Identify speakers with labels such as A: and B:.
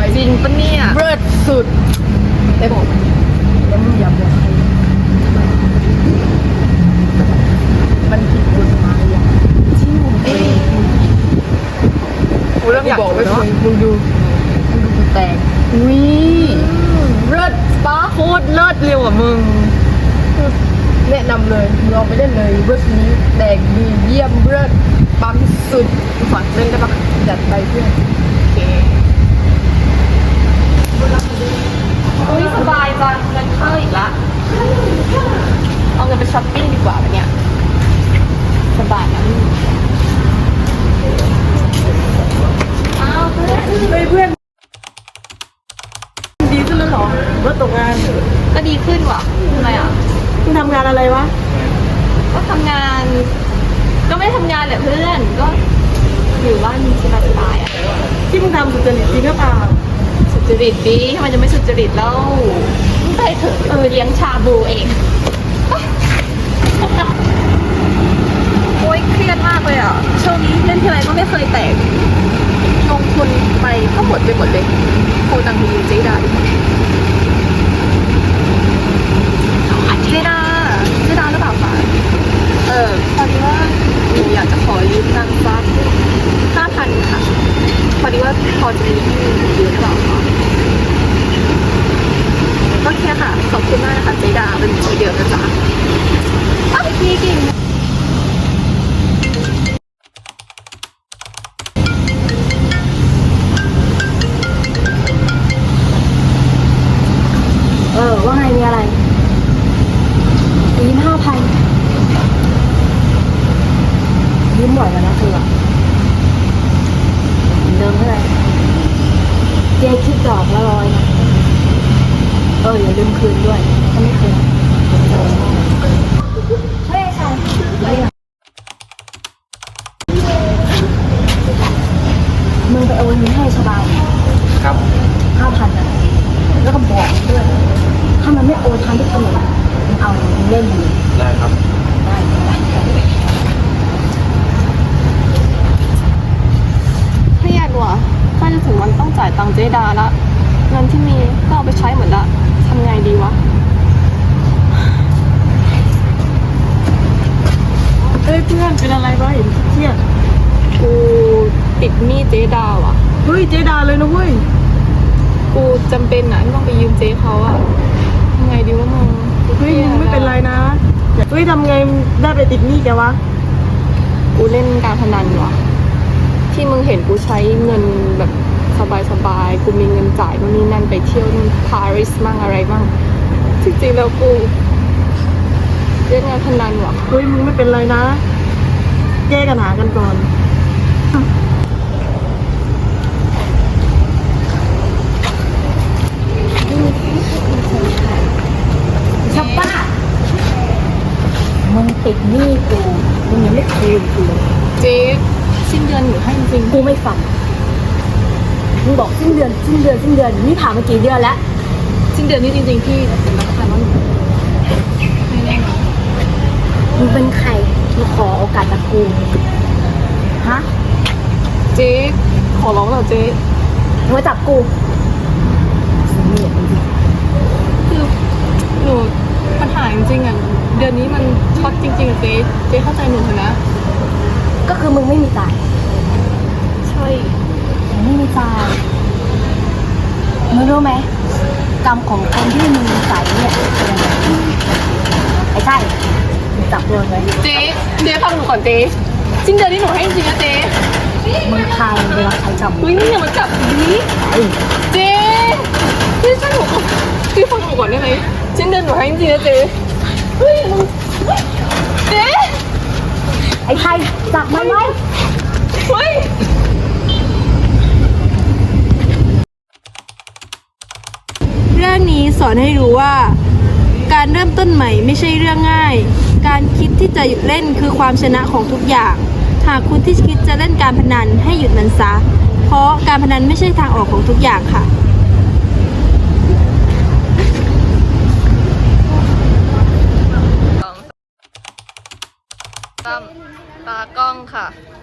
A: จริงปะเนี่ย
B: เบิดสุด
A: ได้บอก
B: แล้วมึงอย่าบอกใครมันผิดกฎหมายอ่ะที่มึงเอง
A: กูเริ่มอยากบอก
B: ไม่
A: แล้ว
B: เคยมึงดูกูแตกอุ้ย
A: เลิศป้าโคตรเลิศเร็วกว่ามึง
B: แนะนำเลยมึงลองไปเล่นเลยเบิร์ดนี้แตกดีเยี่ยมเบิร์ดปั๊มสุด
A: ขอเล่นได้ปะ
B: จัดไปเพื่อน
A: โอเคอุ้ยสบายจังเงินเข้าอีกละเอาเงินไปช้อปปิ้งดีกว่าเนี่ยสบายนะอ้าวเพื่อน
B: เฮ้ยเพื่อนดีขึ้นแล้วเหรอว่าตกงาน
A: ก็ดีขึ้นว่ะทำไมอ่ะ
B: มึงทำงานอะไรวะ
A: ก็ทำงาน ก็ไม่ทำงานแหละเพื่อน ก็อยู่บ้านสบายๆอ่ะ
B: ที่มึงทำสุจริตจริงหรือเปล่า
A: สุจริตดีทำไมจะไม่สุจริตแล้วไปเถอะเลี้ยงชาบูเอง โอ๊ยเครียดมากเลยอ่ะช่วงนี้เล่นทีไรก็ไม่เคยแตกลงทุนไปก็หมดไปหมดเลยโคตังมีเจดาดิเจดาหรือเปล่าคะพอดีว่าหนูอยากจะขอยืมเงินสัก5,000 ค่ะพอดีว่าพอจะมีให้ยืมหรือเปล่าคะโอเคค่ะขอบคุณมากนะคะเจดาเป็นทีเดียวนะจ๊ะพี่กิ่ง
B: ว่าไงมีอะไรยืม5,000ยืมบ่อยแล้วนะเธอเดิมเท่าไหร่เจ๊คิดดอกละ100นะอย่าลืมคืนด้วยถ้าไม่คืนเฮ้ยใครมึงไปโอนเงินให้ชบา
C: ครับ
B: 5,000นะแล้วก็บอกด้วยถ้ามันไม่โอนทันที่กำหนดมึงเอามึงเล่นอยู่
C: ได้ครับ
B: ได้
A: เครียดว่ะใกล้จะถึงวันต้องจ่ายตังค์เจดาละเงินที่มีก็เอาไปใช้หมดละทำไงดีวะ
B: เฮ้ยเพื่อนเป็นอะไรวะเห็นเครียด
A: กูติดหนี้เจดาว่ะ
B: เฮ้ยเจดาเลยนะเว้ย
A: กูจำเป็นนะที่ต้องไปยืมเจเขาอะทำไงดีวะมึง
B: เฮ้ยมึงไม่เป็นไรนะเฮ้ยทำไงได้ไปติดหนี้แกวะ
A: กูเล่นการพนันว่ะที่มึงเห็นกูใช้เงินแบบสบายๆกูมีเงินจ่ายนู่นนี่นั่นไปเที่ยวนู่นปารีสมั่งอะไรมั่งจริงๆแล้วกูเล่นงานพนันว่ะ
B: เฮ้ยมึงไม่เป็นไรนะแยกกันหากันก่อนชับป้ามึงติดหนี้กูมึงยังไม่คืนกูเลย
A: เจ๊สิ้นเดือนหนูให้จริง
B: กูไม่ฟังมึงบอกสิ้นเดือนนี่ผ่านมากี่เดือนแล้ว
A: ๆสิ้นเดือนนี้จริงๆพี่เป็นรักษาว่าหนูไม่แน่นะ
B: มึงเป็นใครมาขอโอกาสจากกูฮะ
A: เจ๊ขอร้องเหรอเจ๊
B: มึงมาจับกูสิ่งนี้จริง
A: คือหนูปัญหาจริงๆอ่ะเดือนนี้มันช็อตจริงๆอะเจ๊เข้าใจหนูเถอะนะ
B: ก็คือมึงไม่มีจ่าย
A: ใช่
B: มึงไม่มีจ่ายมึงรู้ไหมกรรมของคนที่มึงจ่ายเนี่ยเป็นยังไงไอ้ใช่มึงจับโดนเลย
A: เจ๊ฟังหนูก่อนเจ๊สิ้นเดือนนี้หนูให้จริงๆนะเจ๊
B: มึงพามันไปรับใช้กรรม
A: เฮ้ยนี่อย่ามาจับนี้
B: ไอ้
A: เจ๊พี่ช่วยหนูพี่ฟังหนูก่อนได้ไหมสิ้นเดือนหนูให้จริงๆนะเจ๊เฮ้ยมึงเจ๊
B: ไอ้ไทยจับมันไว้
A: เฮ้ยเรื่องนี้สอนให้รู้ว่าการเริ่มต้นใหม่ไม่ใช่เรื่องง่ายการคิดที่จะหยุดเล่นคือความชนะของทุกอย่างหากคุณที่คิดจะเล่นการพนันให้หยุดมันซะเพราะการพนันไม่ใช่ทางออกของทุกอย่างค่ะตากล้องค่ะ